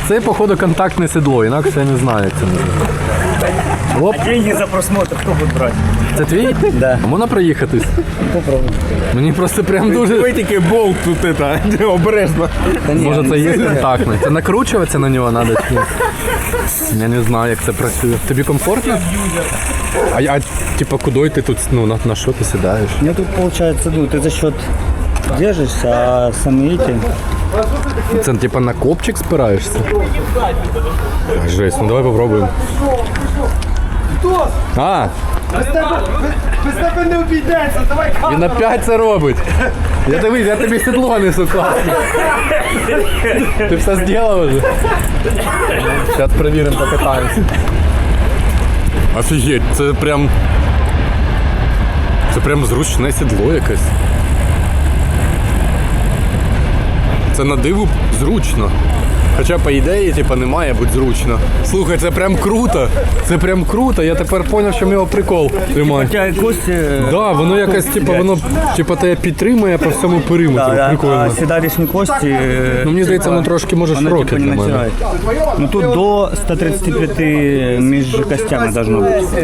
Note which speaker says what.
Speaker 1: Це, походу, контактне сідло, інакше я не знаю, як це називається. Оп,
Speaker 2: А деньги за просмотр хто буде брати?
Speaker 1: це твій?
Speaker 2: Да.
Speaker 1: Можна проїхатись?
Speaker 2: Попробуй.
Speaker 1: Мені просто прям дуже...
Speaker 3: Ви тільки болт тут обережно.
Speaker 1: Може це є контактний? Це накручуватися на нього треба чи ні? Я не знаю, як це працює. Тобі комфортно? А типа, куди ти тут, ну, на що ти сідаєш?
Speaker 2: Ну тут получается, ну ты за счет держишься, а сами эти...
Speaker 1: Це типа на копчик спираєшся? Жесть, ну давай попробуємо. А!
Speaker 3: Без тебе не обійдеться, давай.
Speaker 1: Він опять це робить. Я дивись, я тобі сідло несу класно. Ти все зробив вже? Зараз перевіримо, покатаємося. Офігеть, це прям... Це прям зручне сідло якесь. Це на диву зручно. Хоча, по ідеї, типа, не має бути зручно. Слухай, це прям круто. Це прям круто. Я тепер зрозумів, що в нього прикол тримає.
Speaker 2: Хотя кости...
Speaker 1: Да, воно якось, типа, воно типа тебе підтримує по всьому периметру.
Speaker 2: Да,
Speaker 1: Прикольно.
Speaker 2: а седалищні кості...
Speaker 1: Ну, мені здається, воно трошки може
Speaker 2: Воно
Speaker 1: широке
Speaker 2: типа не
Speaker 1: для мене.
Speaker 2: натирає. Ну тут до 135 між костями должно бути.